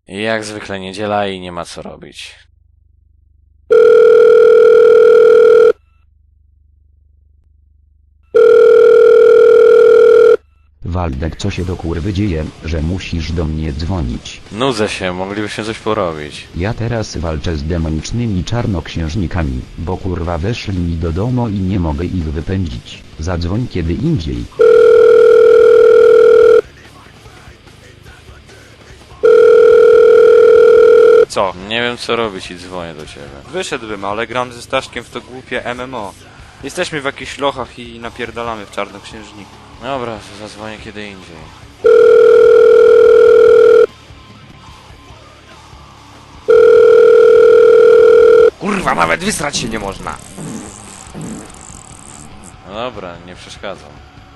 Jak zwykle niedziela i nie ma co robić. Waldek, co się do kurwy dzieje, że musisz do mnie dzwonić? Nudzę się, moglibyśmy coś porobić. Ja teraz walczę z demonicznymi czarnoksiężnikami, bo kurwa weszli mi do domu i nie mogę ich wypędzić. Zadzwoń kiedy indziej. Co? Nie wiem co robić i dzwonię do ciebie. Wyszedłbym, ale gram ze Staszkiem w to głupie MMO. Jesteśmy w jakichś lochach i napierdalamy w czarnoksiężniku. Dobra, to zadzwonię kiedy indziej. Kurwa, nawet wysrać się nie można. No dobra, nie przeszkadzam.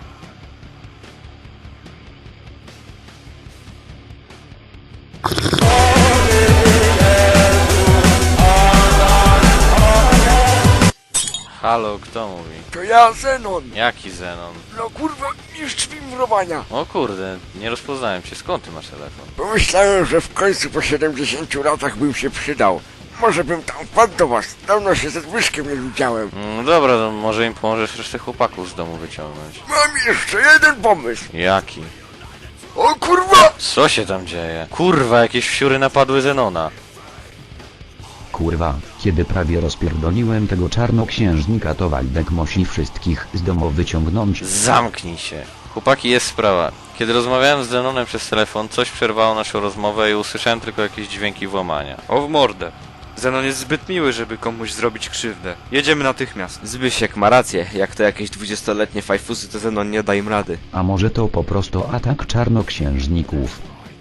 Halo, kto mówi? To ja, Zenon. Jaki Zenon? No kurwa, mistrz wimrowania. O kurde, nie rozpoznałem cię. Skąd ty masz telefon? Pomyślałem, że w końcu po 70 latach bym się przydał. Może bym tam wpadł do was. Dawno się ze Zbyszkiem nie widziałem. Dobra, to może im pomożesz resztę chłopaków z domu wyciągnąć. Mam jeszcze jeden pomysł. Jaki? O kurwa! Co się tam dzieje? Kurwa, jakieś wsiury napadły Zenona. Kurwa, kiedy prawie rozpierdoliłem tego czarnoksiężnika, to Waldek musi wszystkich z domu wyciągnąć. Zamknij się. Chłopaki, jest sprawa. Kiedy rozmawiałem z Zenonem przez telefon, coś przerwało naszą rozmowę i usłyszałem tylko jakieś dźwięki włamania. O w mordę. Zenon jest zbyt miły, żeby komuś zrobić krzywdę. Jedziemy natychmiast. Zbysiek ma rację, jak to jakieś 20-letnie fajfusy, to Zenon nie da im rady. A może to po prostu atak czarnoksiężników?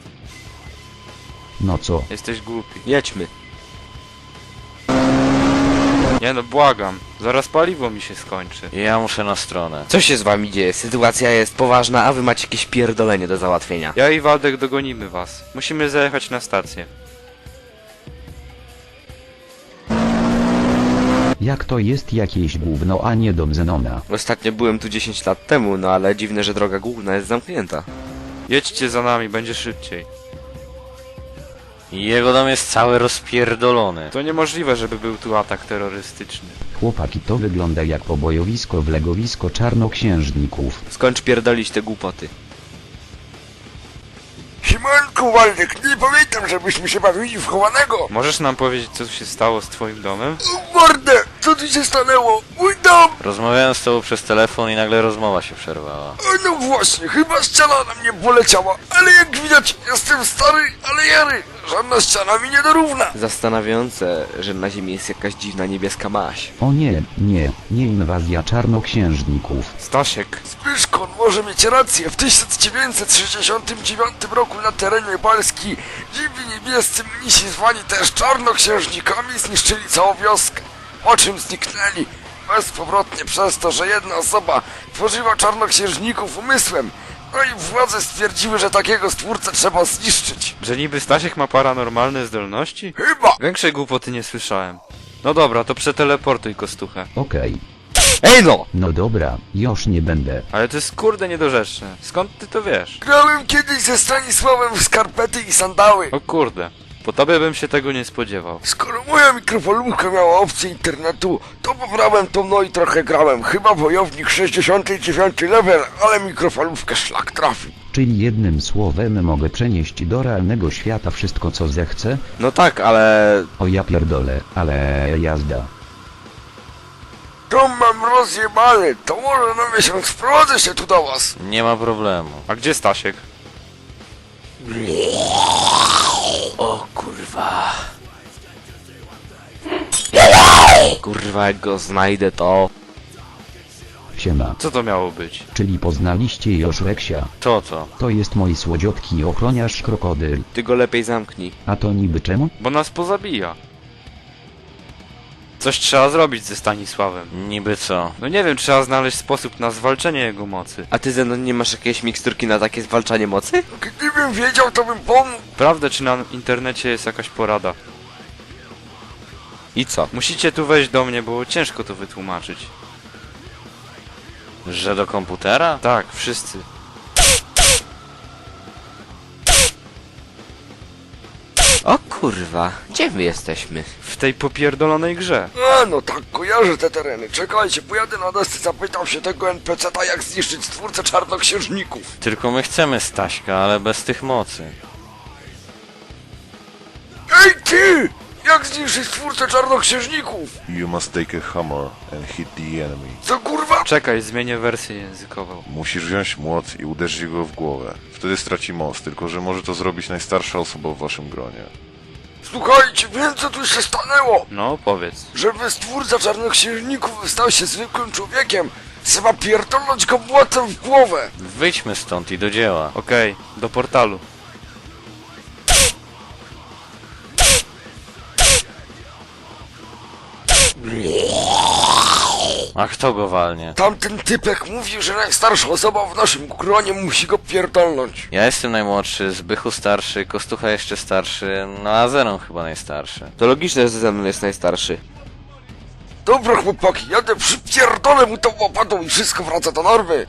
No co? Jesteś głupi. Jedźmy. Nie no, błagam. Zaraz paliwo mi się skończy. Ja muszę na stronę. Co się z wami dzieje? Sytuacja jest poważna, a wy macie jakieś pierdolenie do załatwienia. Ja i Waldek dogonimy was. Musimy zajechać na stację. Jak to jest jakieś gówno, a nie dom Zenona? Ostatnio byłem tu 10 lat temu, no ale dziwne, że droga główna jest zamknięta. Jedźcie za nami, będzie szybciej. Jego dom jest cały rozpierdolony. To niemożliwe, żeby był tu atak terrorystyczny. Chłopaki, to wygląda jak pobojowisko w legowisko czarnoksiężników. Skończ pierdolić te głupoty. Siemanku, Waldek, nie pamiętam, żebyśmy się bawili w chowanego. Możesz nam powiedzieć, co się stało z twoim domem? O mordę, co tu się stanęło? Mój dom! Rozmawiałem z tobą przez telefon i nagle rozmowa się przerwała. O, no właśnie, chyba ściana na mnie poleciała. Ale jak widać, jestem stary, ale jary. Żadna ściana mi nie dorówna. Zastanawiające, że na ziemi jest jakaś dziwna niebieska maź. O nie, nie inwazja czarnoksiężników. Stasiek. Zbyszkon może mieć rację. W 1969 roku na terenie Polski dziwi niebiescy mnisi zwani też czarnoksiężnikami zniszczyli całą wioskę. Po czym zniknęli? Bezpowrotnie przez to, że jedna osoba tworzyła czarnoksiężników umysłem. No i władze stwierdziły, że takiego stwórcę trzeba zniszczyć. Że niby Stasiek ma paranormalne zdolności? Chyba! Większej głupoty nie słyszałem. No dobra, to przeteleportuj kostuchę. Okej. Ej no! No dobra, już nie będę. Ale to jest kurde niedorzeczne. Skąd ty to wiesz? Grałem kiedyś ze Stanisławem w skarpety i sandały. O kurde. Po tobie bym się tego nie spodziewał. Skoro moja mikrofalówka miała opcję internetu, to pobrałem to no i trochę grałem. Chyba wojownik 69 level, ale mikrofalówkę szlak trafi. Czyli jednym słowem mogę przenieść do realnego świata wszystko co zechcę? No tak, ale... O ja pierdolę, ale jazda. To mam rozjebane, to może na miesiąc wprowadzę się tu do was. Nie ma problemu. A gdzie Stasiek? O kurwa. Kurwa, jak go znajdę to... Siema. Co to miało być? Czyli poznaliście już Reksia? To co? To jest mój słodziutki ochroniarz krokodyl. Ty go lepiej zamknij. A to niby czemu? Bo nas pozabija. Coś trzeba zrobić ze Stanisławem. Niby co? No nie wiem, trzeba znaleźć sposób na zwalczenie jego mocy. A ty, Zenon, nie masz jakiejś miksturki na takie zwalczanie mocy? Gdybym wiedział, to bym pomógł. Prawda, czy na internecie jest jakaś porada? I co? Musicie tu wejść do mnie, bo ciężko to wytłumaczyć. Że do komputera? Tak, wszyscy. O kurwa, gdzie my jesteśmy? W tej popierdolonej grze. A no tak, kojarzę te tereny. Czekajcie, pojadę na desce, zapytam się tego NPC-ta, jak zniszczyć stwórcę czarnoksiężników. Tylko my chcemy Staśka, ale bez tych mocy. Ej ty! Jak zniszczyć stwórcę czarnoksiężników? You must take a hammer and hit the enemy. Co kurwa? Czekaj, zmienię wersję językową. Musisz wziąć młot i uderzyć go w głowę. Wtedy straci moc, tylko że może to zrobić najstarsza osoba w waszym gronie. Słuchajcie, wiem co tu się stanęło. No, powiedz. Żeby stwórca czarnoksiężników stał się zwykłym człowiekiem, trzeba pierdolnąć go młotem w głowę. Wyjdźmy stąd i do dzieła. Okej, do portalu. A kto go walnie? Tamten typek mówił, że najstarsza osoba w naszym gronie musi go pierdolnąć. Ja jestem najmłodszy, Zbychu starszy, Kostucha jeszcze starszy, no a Zenon chyba najstarszy. To logiczne, że ze mną jest najstarszy. Dobra chłopaki, jadę przypierdolę mu tą łopatą i wszystko wraca do normy.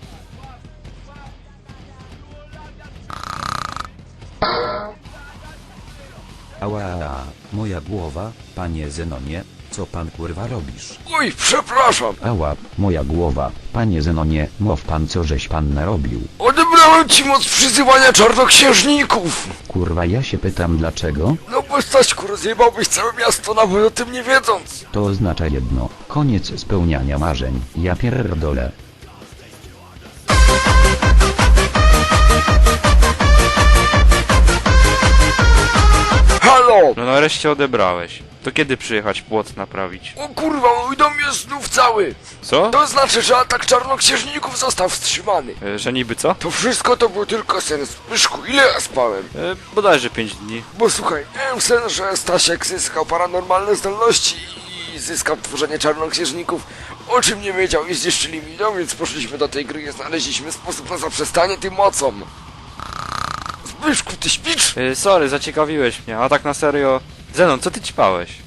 Ała, moja głowa, panie Zenonie, co pan kurwa robisz? Oj, przepraszam. Ała, moja głowa, panie Zenonie, mów pan co żeś pan narobił. Odebrałem ci moc przyzywania czarnoksiężników. Kurwa ja się pytam dlaczego? No bo Staśku, rozjebałbyś całe miasto nawet o tym nie wiedząc. To oznacza jedno, koniec spełniania marzeń, ja pierdolę. Halo! No nareszcie odebrałeś. To kiedy przyjechać płot naprawić? O kurwa, mój dom jest znów cały. Co? To znaczy, że atak czarnoksiężników został wstrzymany. Że niby co? To wszystko to był tylko sen. Zbyszku, ile ja spałem? Bodajże 5 dni. Bo słuchaj, miałem sen, że Stasiek zyskał paranormalne zdolności i zyskał tworzenie czarnoksiężników, o czym nie wiedział i zniszczyli mi dom, więc poszliśmy do tej gry i znaleźliśmy sposób na zaprzestanie tym mocom. Zbyszku, ty śpisz? Sorry, zaciekawiłeś mnie, a tak na serio... Zenon, co ty ćpałeś?